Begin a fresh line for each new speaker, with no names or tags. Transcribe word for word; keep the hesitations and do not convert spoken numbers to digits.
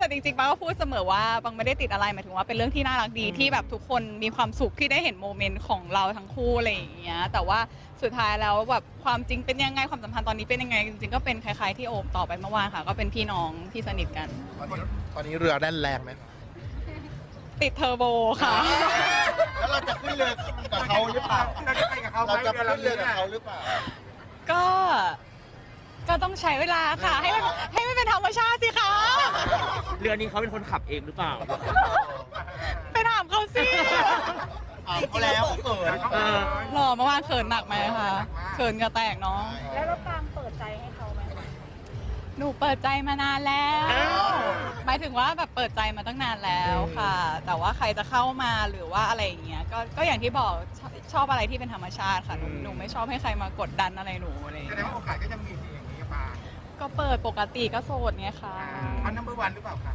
แต่จริงๆปังก็พูดเสมอว่าปังไม่ได้ติดอะไรหมายถึงว่าเป็นเรื่องที่น่ารักดีที่แบบทุกคนมีความสุขที่ได้เห็นโมเมนต์ของเราทั้งคู่อะไรอย่างเงี้ยแต่ว่าสุดท้ายแล้วแบบความจริงเป็นยังไงความสัมพันธ์ตอนนี้เป็นยังไงจริงๆก็เป็นคล้ายๆที่โอมตอบไปเมื่อวานค่ะก็เป็นพี่น้องที่สนิทกัน
ตอนนี้ตอนนี้เรือแน่นแรงไหม
ติดเทอร์โบค่ะ
แล้วเราจะขึ้นเรือกับเขาหรือเปล่า
เราจะไปกับเขาไหม
เราจะ
เรือ
ขึ้นเรือ
ลำนี้
กับเขาหรือเปล่า
ก็ก็ต้องใช้เวลาค่ะ ให้มันให้มันเป็นธรรมชาติสิคะ
เรือนี้เขาเป็นคนขับเองหรือเปล่า
ไปถามเขาสิ
อ่าเขาแล้วเขาเขิน
เออ
หล่อเมื่อวานเขินหนักไหมคะเขินเหงื่อแตกเนาะ
แล้วเราปางเปิดใจให้เขาไหม
หนูเปิดใจมานานแล้ว
อ้าว
หมายถึงว่าแบบเปิดใจมาตั้งนานแล้วค่ะ แต่ว่าใครจะเข้ามาหรือว่าอะไรอย่างเงี้ยก็ก็อย่างที่บอกชอบชอบอะไรที่เป็นธรรมชาติค่ะหนูหนูไม่ชอบให้ใครมากดดันอะไรหนูอะไรอย่าง
แสด
เงี้
ง
ย
ว่าโอกาสก็ยังมีสิ่งอย่างนี้กับปาง
ก็เปิดปกติก็โสดไงคะ
เขานัมเบอร์วันหรือเปล่าคะ